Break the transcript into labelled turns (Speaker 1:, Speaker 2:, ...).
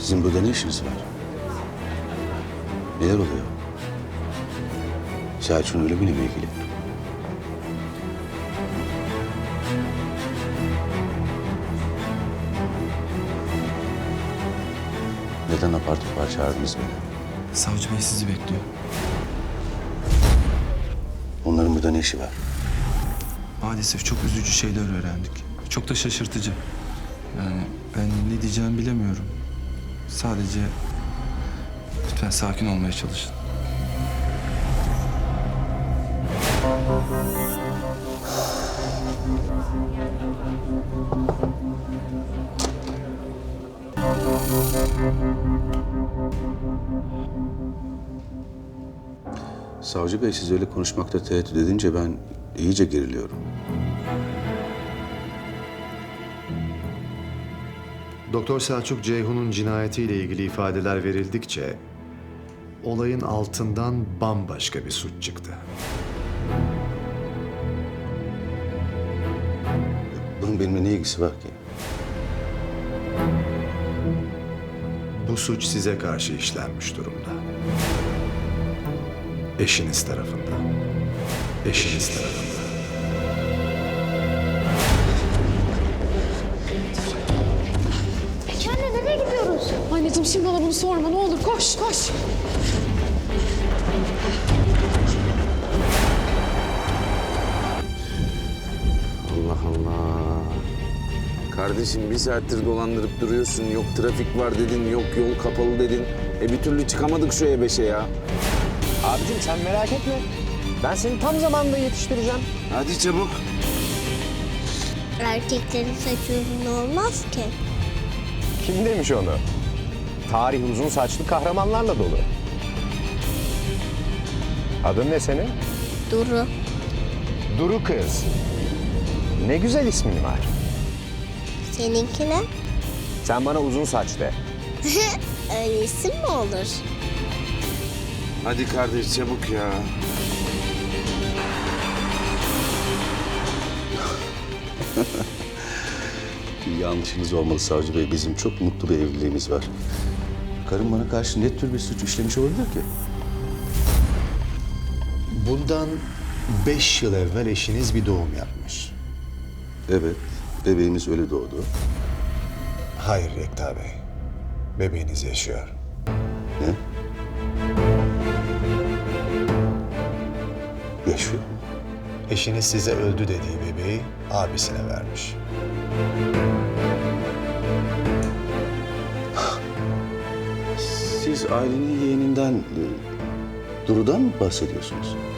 Speaker 1: Sizin burada ne işiniz var? Neler oluyor? Selçuk'un ölümüyle mi ilgili? Neden apar topar çağırdınız beni?
Speaker 2: Savcı bey sizi bekliyor.
Speaker 1: Onların burada ne işi var?
Speaker 2: Maalesef çok üzücü şeyler öğrendik. Çok da şaşırtıcı. Yani ben ne diyeceğimi bilemiyorum. Sadece lütfen sakin olmaya çalışın.
Speaker 1: Savcı Bey siz öyle konuşmakta tereddüt edince ben iyice geriliyorum.
Speaker 3: Doktor Selçuk Ceyhun'un cinayetiyle ilgili ifadeler verildikçe olayın altından bambaşka bir suç çıktı.
Speaker 1: Bunun benimle ne ilgisi var ki?
Speaker 3: Bu suç size karşı işlenmiş durumda. Eşiniz tarafından. Eşiniz tarafından.
Speaker 4: Peki anne nereye gidiyoruz?
Speaker 5: Anneciğim şimdi bana bunu sorma ne olur koş koş.
Speaker 6: Allah Allah. Kardeşim bir saattir dolandırıp duruyorsun. Yok trafik var dedin, yok yol kapalı dedin. Bir türlü çıkamadık şu E5'e ya.
Speaker 7: Abicim sen merak etme. Ben seni tam zamanında yetiştireceğim.
Speaker 6: Hadi çabuk.
Speaker 4: Erkeklerin saçı uzun olmaz ki.
Speaker 7: Kim demiş onu? Tarih uzun saçlı kahramanlarla dolu. Adın ne senin?
Speaker 4: Duru.
Speaker 7: Duru kız. Ne güzel ismin var.
Speaker 4: Seninki ne?
Speaker 7: Sen bana uzun saç de.
Speaker 4: Öyle isim mi olur?
Speaker 6: Hadi kardeş çabuk ya.
Speaker 1: Bir yanlışınız olmalı Savcı Bey. Bizim çok mutlu bir evliliğimiz var. Karım bana karşı ne tür bir suç işlemiş olabilir ki?
Speaker 3: Bundan 5 yıl evvel eşiniz bir doğum yapmış.
Speaker 1: Evet, bebeğimiz öyle doğdu.
Speaker 3: Hayır Yekta Bey. Bebeğiniz yaşıyor.
Speaker 1: Ne? Yaşıyor.
Speaker 3: Eşiniz size öldü dediği bebeği abisine vermiş.
Speaker 1: Siz ailenin yeğeninden, Duru'dan mı bahsediyorsunuz?